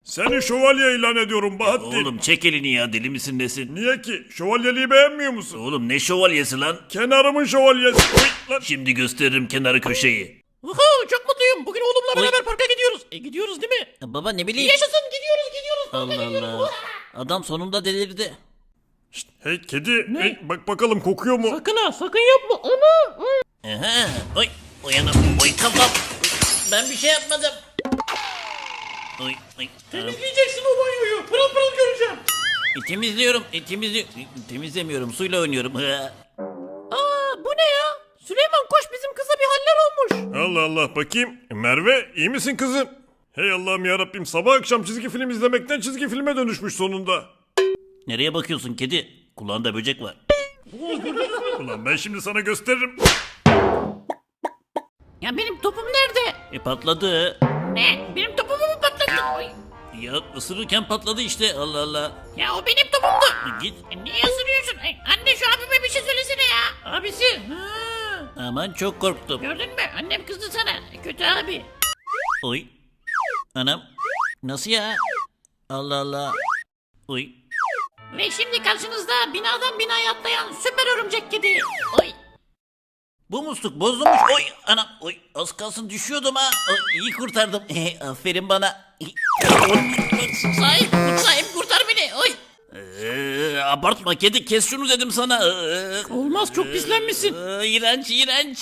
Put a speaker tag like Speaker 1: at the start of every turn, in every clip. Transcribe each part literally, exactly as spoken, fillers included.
Speaker 1: Seni şövalye ilan ediyorum Bahattin.
Speaker 2: Oğlum çek elini ya, deli misin nesin?
Speaker 1: Niye ki? Şövalyeliği beğenmiyor musun?
Speaker 2: Oğlum ne şövalyesi lan?
Speaker 1: Kenarımın şövalyesi. Oy, lan.
Speaker 2: Şimdi gösteririm kenarı köşeyi.
Speaker 3: Uhu, çok mutluyum. Bugün oğlumla beraber parka gidiyoruz. E gidiyoruz değil mi?
Speaker 2: Baba ne bileyim.
Speaker 3: Yaşasın, gidiyoruz gidiyoruz. Parka
Speaker 2: Allah
Speaker 3: gidiyoruz.
Speaker 2: Allah. Adam sonunda delirdi.
Speaker 1: Şşt, hey kedi. Hey, bak bakalım kokuyor mu?
Speaker 3: Sakın ha, sakın yapma. Ana.
Speaker 2: Aha. Oy. Uyanım. Oy kafam. Ben bir şey yapmadım. Oy. Oy.
Speaker 3: Temizleyeceksin o banyoyu. Pırıl pırıl göreceğim.
Speaker 2: E, temizliyorum. E, temizli e, temizlemiyorum. Suyla oynuyorum. Hı.
Speaker 3: Aa, bu ne ya? Süleyman koş, bizim kıza bir haller olmuş.
Speaker 1: Allah Allah bakayım. Merve iyi misin kızım? Hey Allah'ım yarabbim, sabah akşam çizgi film izlemekten çizgi filme dönüşmüş sonunda.
Speaker 2: Nereye bakıyorsun kedi? Kulağında böcek var.
Speaker 1: Ulan ben şimdi sana gösteririm.
Speaker 3: Ya benim topum nerede?
Speaker 2: E patladı.
Speaker 3: Ne? Benim topumu mu patlattın? Oy.
Speaker 2: Ya ısırırken patladı işte. Allah Allah.
Speaker 3: Ya o benim topumdu.
Speaker 2: E, Git.
Speaker 3: E, niye ısırıyorsun? Ay, anne şu abime bir şey söylesene ya. Abisi. Ha.
Speaker 2: Aman çok korktum.
Speaker 3: Gördün mü? Annem kızdı sana. Kötü abi.
Speaker 2: Oy. Anam. Nasıl ya? Allah Allah. Oy.
Speaker 3: Ve şimdi karşınızda binadan binaya atlayan süper örümcek kedi. Oy.
Speaker 2: Bu musluk bozulmuş. Oy anam. Oy az kalsın düşüyordum ha. Oy, iyi kurtardım. Aferin bana.
Speaker 3: Sahip, sahip kurtar beni. Oy.
Speaker 2: Ee, abartma kedi, kes şunu dedim sana. Ee,
Speaker 3: Olmaz, çok pislenmişsin.
Speaker 2: ee, iğrenç iğrenç.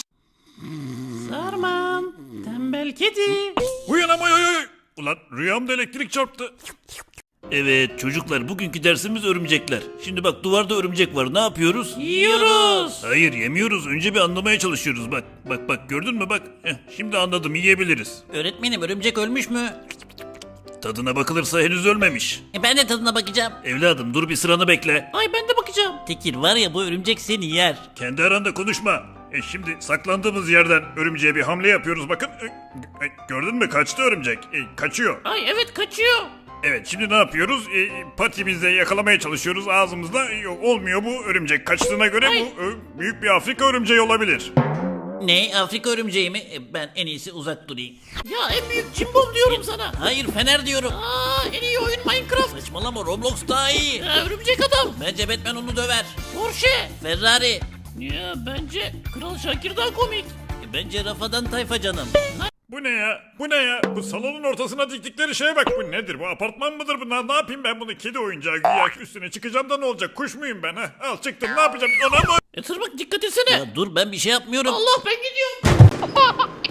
Speaker 3: Sarman. Tembel kedi.
Speaker 1: Uyanam oy oy oy. Ulan rüyamda elektrik çarptı.
Speaker 2: Evet çocuklar, bugünkü dersimiz örümcekler. Şimdi bak, duvarda örümcek var, ne yapıyoruz?
Speaker 3: Yiyoruz.
Speaker 2: Hayır yemiyoruz, önce bir anlamaya çalışıyoruz. Bak bak bak, gördün mü bak. Heh, şimdi anladım, yiyebiliriz.
Speaker 3: Öğretmenim, örümcek ölmüş mü?
Speaker 2: Tadına bakılırsa henüz ölmemiş.
Speaker 3: E, ben de tadına bakacağım.
Speaker 2: Evladım dur bir sıranı bekle.
Speaker 3: Ay, ben de bakacağım.
Speaker 2: Tekir var ya, bu örümcek seni yer.
Speaker 1: Kendi aranda konuşma. E şimdi saklandığımız yerden örümceğe bir hamle yapıyoruz bakın. E, e, gördün mü, kaçtı örümcek. E, kaçıyor.
Speaker 3: Ay evet, kaçıyor.
Speaker 1: Evet, şimdi ne yapıyoruz? E, patimizle yakalamaya çalışıyoruz ağzımızla. Yok, olmuyor bu örümcek. Kaçtığına göre
Speaker 3: Ay.
Speaker 1: bu e, büyük bir Afrika örümceği olabilir.
Speaker 2: Ne, Afrika örümceği mi? E, ben en iyisi uzak durayım.
Speaker 3: Ya en büyük cimbom diyorum sana.
Speaker 2: Hayır, fener diyorum.
Speaker 3: Aa, en iyi oyun Minecraft.
Speaker 2: Saçmalama, Roblox daha iyi.
Speaker 3: Ya, örümcek adam.
Speaker 2: Bence Batman onu döver.
Speaker 3: Porsche.
Speaker 2: Ferrari.
Speaker 3: Ya bence Kral Şakir daha komik.
Speaker 2: E, Bence Rafadan Tayfa canım.
Speaker 1: Bu ne ya? Bu ne ya? Bu salonun ortasına diktikleri şeye bak. Bu nedir? Bu apartman mıdır bu? Ne, ne yapayım ben bunu? Kedi oyuncağı güya, üstüne çıkacağım da ne olacak? Kuş muyum ben ha? Al çıktım, ne yapacağım? Ona mı?
Speaker 3: E tırmık, dikkat etsene.
Speaker 2: Ya dur, ben bir şey yapmıyorum.
Speaker 3: Allah, ben gidiyorum.